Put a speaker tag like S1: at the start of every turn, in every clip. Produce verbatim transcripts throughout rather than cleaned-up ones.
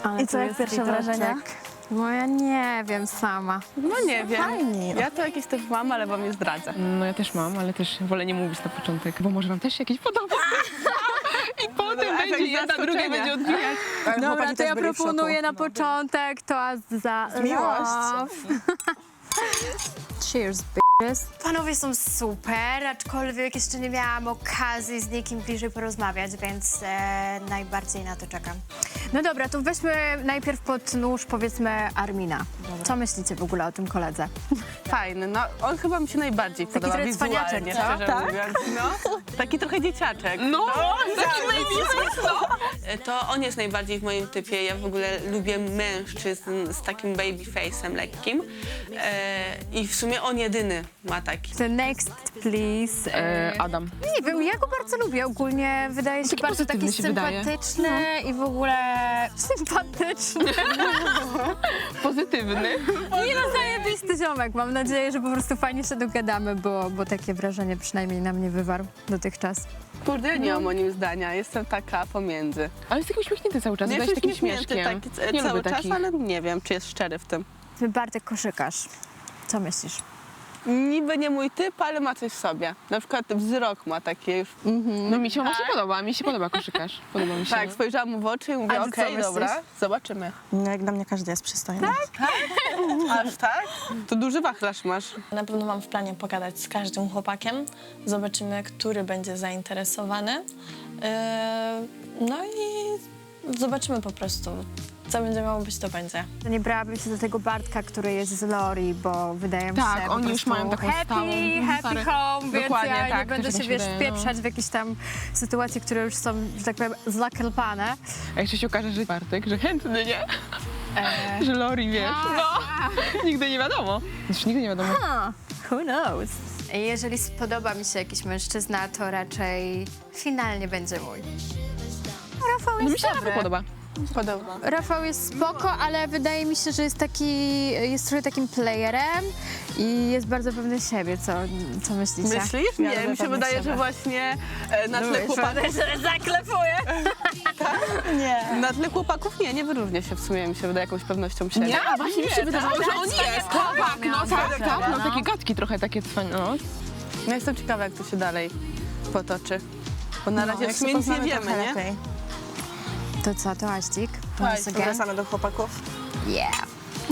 S1: I co, jak pierwsze wrażenia?
S2: No ja nie wiem sama.
S3: No nie wiem.
S1: Fajnie.
S3: Ja to jakieś też mam, ale wam nie zdradzę.
S4: No ja też mam, ale też wolę nie mówić na początek, bo może wam też się jakieś podoba. I potem
S3: efekt
S4: będzie jedna, druga
S3: zaskoczenia.
S4: będzie odbijać.
S2: Dobra, to ja proponuję na początek toast za
S1: Miłość.
S2: love. Cheers, bitches.
S5: Panowie są super, aczkolwiek jeszcze nie miałam okazji z nikim bliżej porozmawiać, więc e, najbardziej na to czekam.
S2: No dobra, to weźmy najpierw pod nóż, powiedzmy, Armina. Co myślicie w ogóle o tym koledze?
S3: Fajny, no on chyba mi się najbardziej podoba
S2: trochę cwaniaczek,
S3: wizualnie,
S2: co?
S3: szczerze
S2: Tak?
S3: mówiąc. No, taki trochę dzieciaczek.
S4: No, taki
S3: To on jest najbardziej w moim typie. Ja w ogóle lubię mężczyzn z takim baby face'em lekkim. E, I w sumie on jedyny ma taki.
S2: The next, please.
S4: E, Adam.
S2: Nie wiem, ja go bardzo lubię. Ogólnie wydaje się
S4: Taki
S2: bardzo taki
S4: pozytywny się wydaje.
S2: sympatyczny i w ogóle sympatyczny.
S4: Pozytywny.
S2: Nie no, zajebisty ziomek. Mam nadzieję, że po prostu fajnie się dogadamy, bo, bo takie wrażenie przynajmniej na mnie wywarł dotychczas.
S3: Kurde, ja nie mam o nim zdania. Jestem taka pomiędzy.
S4: Ale jest taki uśmiechnięty cały czas,
S3: Nie
S4: wydaje się
S3: jest
S4: takim
S3: uśmiechnięty
S4: śmieszkiem.
S3: taki,
S4: Nie
S3: cały
S4: lubię
S3: czas,
S4: takich.
S3: ale nie wiem, czy jest szczery w tym.
S2: Bartek Koszykarz. Co myślisz?
S3: Niby nie mój typ, ale ma coś w sobie. Na przykład wzrok ma taki już.
S4: No mi się właśnie podoba, mi się podoba koszykarz. Podoba mi się.
S3: Tak, spojrzałam mu w oczy i mówię,
S2: A ty co
S3: okej, dobra,
S2: myślisz?
S3: zobaczymy.
S1: No, jak dla mnie każdy jest przystojny.
S3: Aż tak? To duży wachlarz masz.
S6: Na pewno mam w planie pogadać z każdym chłopakiem. Zobaczymy, który będzie zainteresowany. Yy, No i zobaczymy po prostu, co będzie miało być, to będzie.
S2: To nie brałabym się do tego Bartka, który jest z Lori, bo wydaje mi
S4: Tak,
S2: się po
S4: oni już
S2: prostu
S4: mają taką
S2: happy,
S4: stałą,
S2: happy
S4: stare-
S2: home, więc
S4: Dokładnie,
S2: ja nie
S4: tak,
S2: będę
S4: też
S2: się,
S4: mi się
S2: wiesz,
S4: wydaje, no.
S2: wpieprzać w jakieś tam sytuacje, które już są, że tak powiem, zakelpane.
S4: A jeszcze się okaże, że Bartek, że chętny, nie? Że Lori, wiesz, no. Nigdy nie wiadomo. Już nigdy nie wiadomo.
S2: Huh, who knows? Jeżeli spodoba mi się jakiś mężczyzna, to raczej finalnie będzie mój. Rafał
S4: No
S2: jest
S4: mi się
S2: dobry.
S4: nawet podoba.
S3: Podoba.
S2: Rafał jest spoko, ale wydaje mi się, że jest taki, jest trochę takim playerem i jest bardzo pewny siebie. Co, co myślicie?
S3: Myślisz?
S2: Ja
S3: Nie,
S2: lubię
S3: mi się
S2: pewność
S3: wydaje,
S2: siebie.
S3: że właśnie e, na tle chłopaków...
S2: że zaklepuję.
S1: Nie.
S3: Na tle chłopaków nie, nie wyróżnia się w sumie, mi się wydaje jakąś pewnością siebie.
S4: Nie, a właśnie mi się wydawało, że on jest. Tak, no tak, tak, no
S2: no.
S4: takie gadki trochę takie cwane, no.
S3: Ja jestem ciekawa, jak to się dalej potoczy. Bo na razie
S1: Jak
S3: w sumie
S1: się
S3: nic nie
S1: poznamy,
S3: wiemy,
S1: trochę
S3: nie?
S1: lepiej.
S2: To co, to Aścik?
S3: Tak,
S2: Once again?
S1: Wracamy do chłopaków.
S2: Yeah.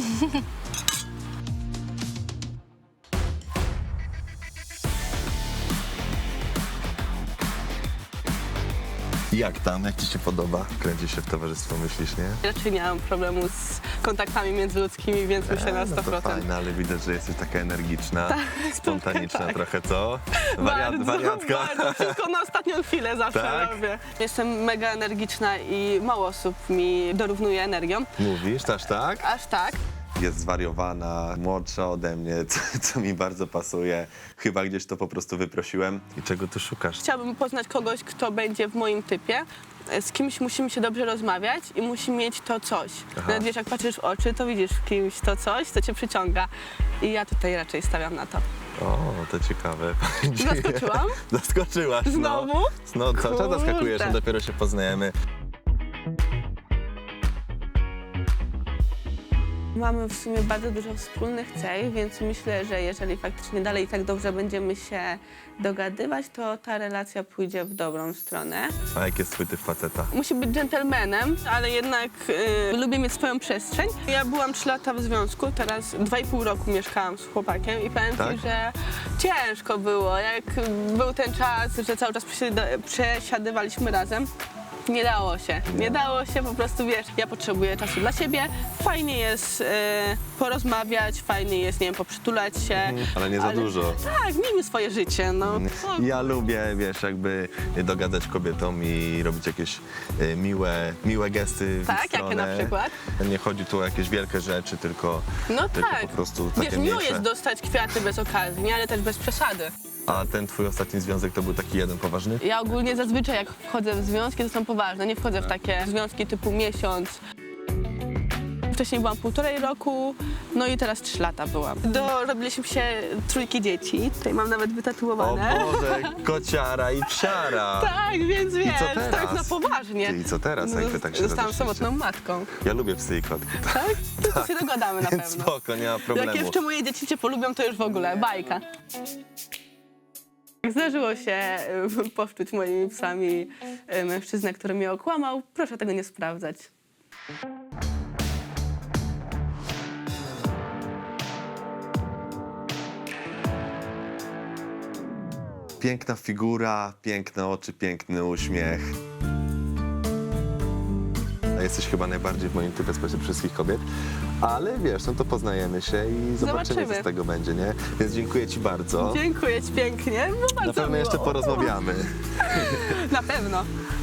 S7: Jak tam? Jak ci się podoba? Kręci się w towarzystwo, myślisz, nie?
S3: Raczej nie mam problemu z kontaktami międzyludzkimi, więc myślę na
S7: E,
S3: sto
S7: no to
S3: procent.
S7: fajne, ale widać, że jesteś taka energiczna, spontaniczna
S3: tak.
S7: trochę, co? Wariat,
S3: Bardzo,
S7: wariatka.
S3: bardzo. Wszystko na ostatnią chwilę zawsze
S7: Tak?
S3: robię. Jestem mega energiczna i mało osób mi dorównuje energią.
S7: Mówisz, też tak?
S3: Aż tak.
S7: Jest zwariowana, młodsza ode mnie, co, co mi bardzo pasuje. Chyba gdzieś to po prostu wyprosiłem. I czego tu szukasz?
S3: Chciałabym poznać kogoś, kto będzie w moim typie. Z kimś musimy się dobrze rozmawiać i musi mieć to coś.
S7: Aha.
S3: Nawet wiesz, jak patrzysz w oczy, to widzisz w kimś to coś, co cię przyciąga. I ja tutaj raczej stawiam na to.
S7: O, to ciekawe.
S3: Zaskoczyłam?
S7: Zaskoczyłaś, no.
S3: Znowu?
S7: No, cały czas zaskakujesz,
S3: Kurde.
S7: no dopiero się poznajemy.
S3: Mamy w sumie bardzo dużo wspólnych cech, więc myślę, że jeżeli faktycznie dalej tak dobrze będziemy się dogadywać, to ta relacja pójdzie w dobrą stronę.
S7: A jaki jest twój typ faceta?
S3: Musi być dżentelmenem, ale jednak y, lubię mieć swoją przestrzeń. Ja byłam trzy lata w związku, teraz dwa i pół roku mieszkałam z chłopakiem i powiem
S7: Tak?
S3: ci, że ciężko było. Jak był ten czas, że cały czas przesiada- przesiadywaliśmy razem, nie dało się. Nie dało się, po prostu wiesz, ja potrzebuję czasu dla siebie. Fajnie jest y, porozmawiać, fajnie jest, nie wiem, poprzytulać się.
S7: Ale nie za
S3: Ale-
S7: dużo.
S3: Tak, miejmy swoje życie, no.
S7: Ja lubię, wiesz, jakby dogadać kobietom i robić jakieś e, miłe, miłe gesty w ich
S3: Tak, jakie
S7: stronę.
S3: na przykład?
S7: Nie chodzi tu o jakieś wielkie rzeczy, tylko,
S3: No
S7: tylko
S3: tak.
S7: po prostu takie
S3: Wiesz, miło
S7: mniejsze.
S3: jest dostać kwiaty bez okazji, nie? Ale też bez przesady.
S7: A ten twój ostatni związek to był taki jeden poważny?
S3: Ja ogólnie zazwyczaj jak wchodzę w związki, to są poważne. Nie wchodzę w takie związki typu miesiąc. Wcześniej byłam półtorej roku, no i teraz trzy lata byłam. Dorobiliśmy się trójki dzieci, tutaj mam nawet
S7: O
S3: wytatuowane.
S7: Boże, kociara i psiara.
S3: Tak, więc wiesz,
S7: co
S3: to jest
S7: teraz?
S3: na poważnie.
S7: Ty, i co teraz, jak wy tak się
S3: Zostałam
S7: rozeszliście?
S3: samotną matką,
S7: Ja lubię psy i kotki,
S3: tak? To się dogadamy na
S7: więc
S3: pewno.
S7: spoko, nie ma problemu.
S3: Jak jeszcze moje dzieci cię polubią, to już w ogóle bajka. Zdarzyło się y, powczuć moimi psami y, mężczyznę, który mnie okłamał. Proszę tego nie sprawdzać.
S7: Piękna figura, piękne oczy, piękny uśmiech. A jesteś chyba najbardziej w moim typie spośród wszystkich kobiet. Ale wiesz, no to poznajemy się i zobaczymy,
S3: Zobaczymy.
S7: co z tego będzie, nie? Więc dziękuję ci bardzo.
S3: Dziękuję ci pięknie, było bardzo
S7: Na pewno
S3: miło.
S7: jeszcze porozmawiamy.
S3: Na pewno.